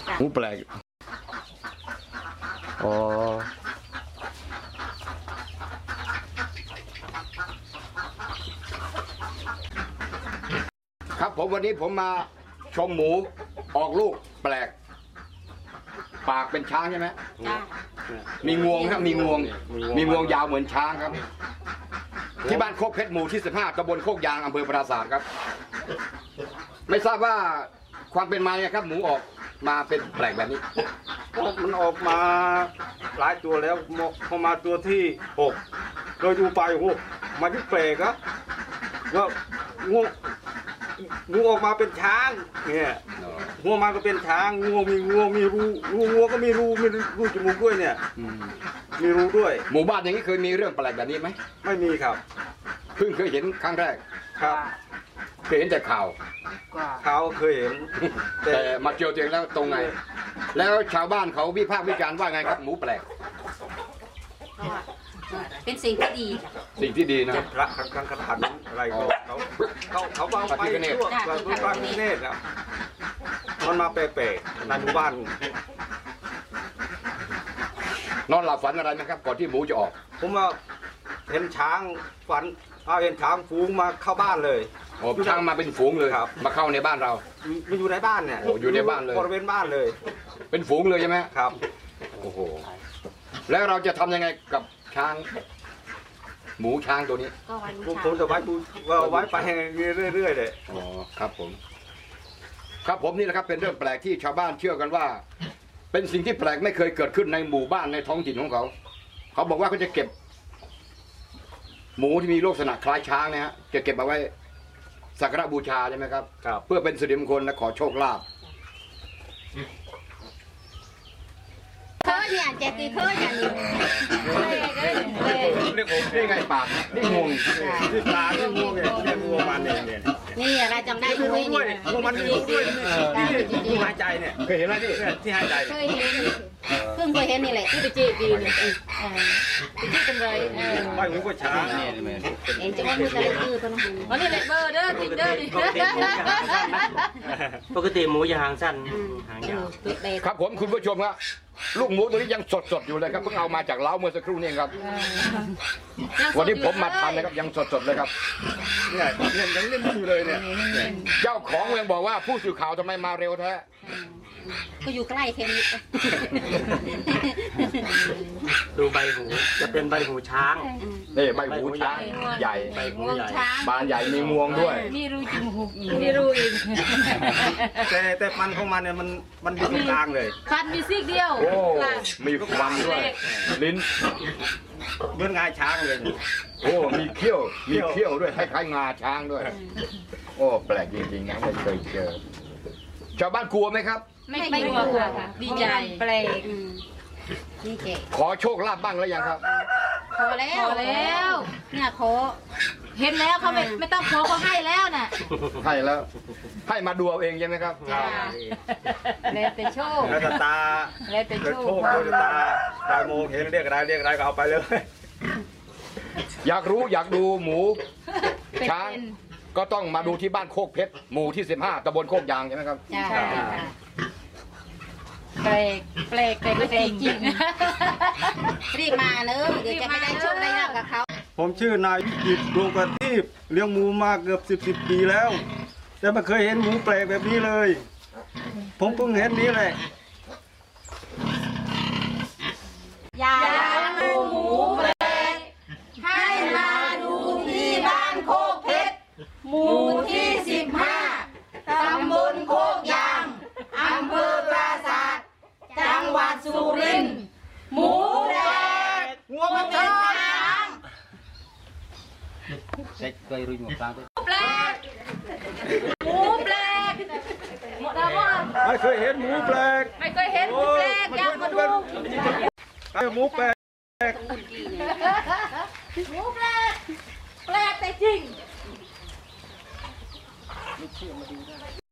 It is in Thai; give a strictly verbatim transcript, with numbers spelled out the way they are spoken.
หมูแปลกอ๋อครับผมวันนี้ผมมาชมหมูออกลูกแปลกปากเป็นช้างใช่ไหมมีงวงครับมีงวงมีงวงยาวเหมือนช้างครับที่บ้านโคกเพชรหมู่ที่สิบห้าตำบลโคกยางอำเภอปราสาทครับไม่ทราบว่าความเป็นมาเนี่ยครับหมูออกมาเป็นแปลกแบบนี้มันออกมาหลายตัวแล้วพอมาตัวที่หกโดยดูไปโอ้โหมันที่แปลกอะก็งูงูออกมาเป็นช้างเนี่ยงูมาก็เป็นช้างงูมีงูมีรูรูงูก็มีรูมีรูจมูกด้วยเนี่ยมีรูด้วยหมู่บ้านอย่างนี้เคยมีเรื่องแปลกแบบนี้ไหมไม่มีครับเพิ่งเคยเห็นครั้งแรกครับเคยเห็นแต่ข่าวข่าวเคยเห็นแต่มาเจอตัวเองแล้วตรงไงแล้วชาวบ้านเขาวิพากษ์วิจารณ์ว่าไงครับหมูแปลกเป็นสิ่งที่ดีสิ่งที่ดีนะพระครั้งครั้งอะไรเขาเขาเขาเอาไปทั่วทั่วประเทศครับมันมาแปลกๆในหมู่บ้านนอนหลับฝันอะไรไหมครับก่อนที่หมูจะออกผมว่าเห็นช้างฝันเอาเห็นช้างฝูงมาเข้าบ้านเลยโอ้ช้างมาเป็นฝูงเลยมาเข้าในบ้านเรามาอยู่ในบ้านเนี่ยโอ้อยู่ในบ้านเลยบริเวณบ้านเลยเป็นฝูงเลยใช่ไหมครับโอ้โหแล้วเราจะทำยังไงกับช้างหมูช้างตัวนี้ผมจะไว้ไว้ไปเรื่อยๆเลยอ๋อครับผมครับผมนี่แหละครับเป็นเรื่องแปลกที่ชาวบ้านเชื่อกันว่าเป็นสิ่งที่แปลกไม่เคยเกิดขึ้นในหมู่บ้านในท้องถิ่นของเขาเขาบอกว่าเขาจะเก็บหมูที่มีลักษณะคล้ายช้างนะฮะจะเก็บเอาไว้สักการะบูชาใช่ไหมครับเพื่อเป็นสิริมงคลและขอโชคลาภเคยเนี่ยเจ๊ตีเคยอย่างนี้เรียกผมนี่ไงปากนี่งวงที่ปากนี่งวงเนี่ยเนี่ยงวงมันเนี่ยเนี่ยนี่อะไรจำได้ไหมนี่งวงมันมีรูด้วยที่หายใจเนี่ยเคยเห็นไหมที่ที่หายใจเคยเห็นเพิ่งเคยเห็นนี่แหละที่ไปจีดีเนี่ยไปจีกันเลยไม่รู้ว่าช้างเห็นจังว่ามีอะไรคือตัวน้องวันนี้เล็กเบอร์เด้อติ๊กเด้อดิปกติหมูจะหางสั้นหางยาวครับผมคุณผู้ชมครับลูกหมูตัวนี้ยังสดๆอยู่เลยครับเพิ่งเอามาจากเล้าเมื่อสักครู่นี้ครับวันนี้ผมมาทำนะครับยังสดๆเลยครับเนี่ยยังยังเล่นอยู่เลยเนี่ยเจ้าของยังบอกว่าผู้สื่อข่าวทำไมมาเร็วแท้ก็อยู่ใกล้เทนิสดูใบหูจะเป็นใบหูช้างนี่ใบหูช้างใหญ่ใบหูใหญ่บานใหญ่มีงวงด้วยมีรูจมูกมีรูอีกแต่แต่ฟันของมันเนี่ยมันมันอยู่ตรงกลางเลยฟันมีซี่เดียวโอ้มีฟันด้วยลิ้นเหมือนงาช้างเลยโอ้มีเขี้ยวมีเขี้ยวด้วยคล้ายๆงาช้างด้วยโอ้แปลกจริงๆนะไม่เคยเจอชาวบ้านกลัวไหมครับไม่ไม่กลัวค่ะดีใจแปลกดีใจขอโชคลาภบ้างแล้วยังครับขอแล้วขอแล้วเนี่ยขอเห็นแล้วเขาไม่ไม่ต้องขอเขาให้แล้วน่ะให้แล้วให้มาดูเอาเองใช่ไหมครับแล้วแต่โชคแล้วตาแล้วแต่โชคแล้วตาตาโมเห็นเรียกอะไรเรียกอะไรก็เอาไปเลยอยากรู้อยากดูหมูช้างก็ต้องมาดูที่บ้านโคกเพชรหมู่ที่สิบห้าตำบลโคกยางใช่ไหมครับใช่แปลกแปลกแปลกแปลกจริงรีบมาเนอะเดี๋ยวจะไม่ได้โชคได้ลาภกับเขาผมชื่อนายวิจิตรดวงประทีปเลี้ยงหมูมาเกือบสิบสิบปีแล้วแต่ไม่เคยเห็นหมูแปลกแบบนี้เลยผมเพิ่งเห็นนี้แหละอยากดูหมูแปลกให้มาดูที่บ้านโคกเพชรหมู่ที่สิบห้าตำบลโคกยางอำเภอปราสาทจังหวัดสุรินทร์หมูแดงงัวมันเป็นช้างเซ็กเคยรู้หมูปลาด้วยแปลกหมูแปลกไม่เคยเห็นหมูแปลกไม่เคยเห็นหมูแปลกอยากมาดูหมูแปลกหมูแปลกแปลกแต่จริง